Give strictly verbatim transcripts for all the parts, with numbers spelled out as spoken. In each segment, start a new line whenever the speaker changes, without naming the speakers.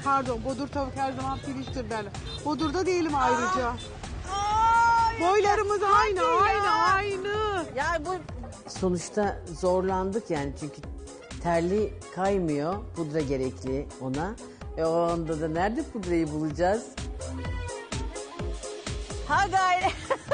pardon bodur tavuk her zaman pirinçtir derler. Bodur'da değilim ayrıca. Boylarımız aynı aynı aynı.
Ya bu
Sonuçta zorlandık yani çünkü terli kaymıyor. Pudra gerekli ona. E o anda da nerede pudrayı bulacağız?
ha gayret.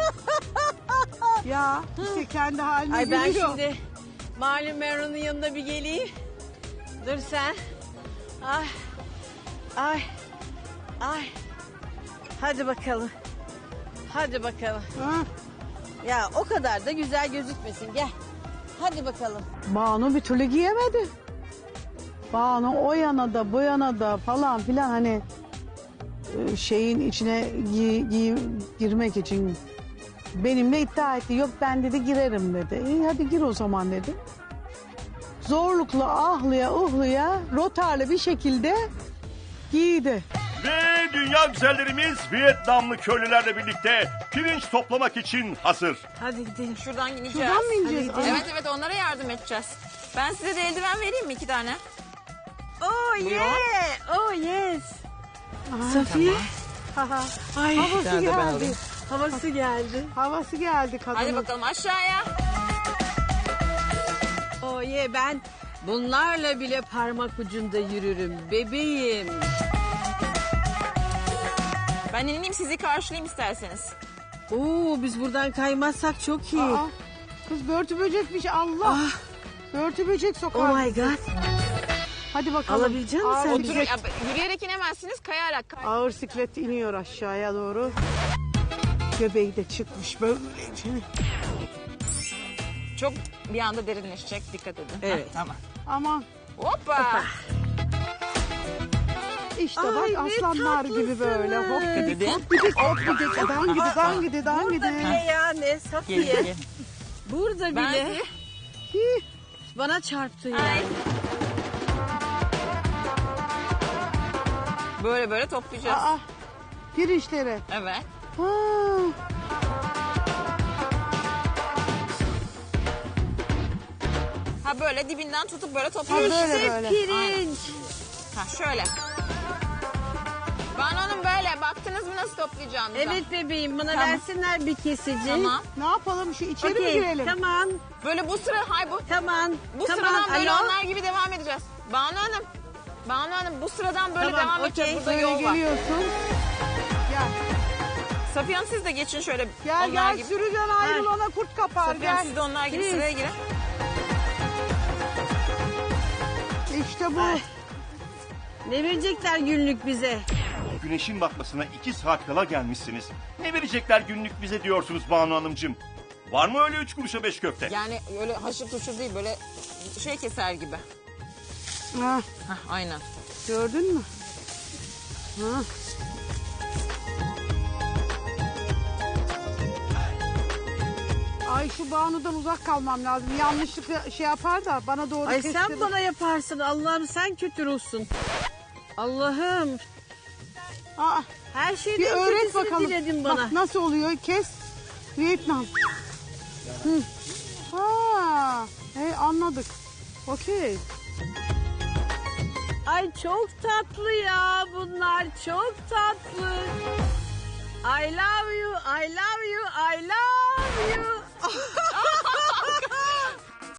Ya işte kendi haline
Ay ben
geliyor.
şimdi Malum Meron'un yanına bir geleyim. Dur sen. Ay. Ay. Ay. Hadi bakalım. Hadi bakalım.
Ha,
Ya o kadar da güzel gözükmesin. Gel. Hadi bakalım.
Banu bir türlü giyemedi. Banu o yana da bu yana da falan filan hani e, şeyin içine gi, gi, girmek için benimle iddia etti. Yok ben dedi girerim dedi. İyi hadi gir o zaman dedi. Zorlukla ahlıya uhluya rotarlı bir şekilde giydi.
Ve dünya güzellerimiz Vietnamlı köylülerle birlikte pirinç toplamak için hazır.
Hadi gidelim.
Şuradan ineceğiz.
Şuradan mı ineceğiz?
Hadi gidelim.
Evet evet onlara yardım edeceğiz. Ben size de eldiven vereyim mi iki tane?
Oh yeah. Oh yes. Safiye. Ay.
Havası geldi.
Havası geldi.
Havası geldi kadının.
Hadi bakalım aşağıya.
Oh yeah ben bunlarla bile parmak ucunda yürürüm bebeğim.
Ben ineyim sizi karşılayayım isterseniz.
Oo biz buradan kaymazsak çok iyi.
Aa, kız börtü böcekmiş Allah.
Ah.
Börtü böcek sokar.
Oh my god.
Hadi bakalım.
Alabilecek misin
Ağır
sen?
Oturun,
siklet-
ya, yürüyerek inemezsiniz kayarak. Kay-
Ağır siklet iniyor aşağıya doğru. Göbeği de çıkmış böylece.
Çok bir anda derinleşecek dikkat edin.
Evet.
Heh, tamam.
Aman
Hoppa.
işte
Ay,
bak
ne
aslanlar gibi böyle hop
tatlısınız.
gidik hop gidik hop gidik. Dan gidik dan gidik dan
Burada
gidik.
bile ya ne Safiye. Burada
Ben
bile
Hih,
bana çarptı ya.
Ay. Böyle böyle toplayacağız.
Aa, pirinçleri.
Evet.
Ha.
Ha böyle dibinden tutup böyle
Ha,
topluyoruz.
böyle böyle.
Pirinç.
Ha şöyle. Banu Hanım böyle baktınız mı nasıl toplayacağım?
Evet bebeğim bana
Tamam.
versinler bir kesici.
Tamam.
Ne yapalım şu içeri mi
Okey,
girelim?
Tamam.
Böyle bu sıra hay bu
Tamam.
bu
tamam.
sıradan böyle
Alo.
onlar gibi devam edeceğiz. Banu Hanım. Banu Hanım bu sıradan böyle
Tamam,
devam
okey.
edeceğiz. Burada
Böyle
yol var.
geliyorsun. Gel
Safiye Hanım siz de geçin şöyle
gel
onlar
gel
gibi.
sürüden ayrıl ona kurt kapar
Safiye Hanım
gel.
siz de onlar gibi
Please.
sıraya girin.
İşte bu.
Ay. Ne verecekler günlük bize?
Güneşin batmasına iki saat kala gelmişsiniz. Ne verecekler günlük bize diyorsunuz Banu Hanımcığım? Var mı öyle üç kuruşa beş köfte?
Yani öyle haşır tuşur değil böyle şey keser gibi.
Ha,
Hah aynen.
gördün mü? Ha. Ay şu Banu'dan uzak kalmam lazım. Yanlışlıkla şey yapar da bana doğru
Ay
kestirir.
sen bana yaparsın. Allah'ım sen kötü ruhsun. Allah'ım.
Aa,
Her
bir
şeyden
öğret
kötüsünü
bakalım.
diledin bana.
Bak nasıl oluyor? Kes. Vietnam. Hı. Ha, hey, anladık. Okey.
Ay çok tatlı ya bunlar. Çok tatlı. I love you, I love you, I love you.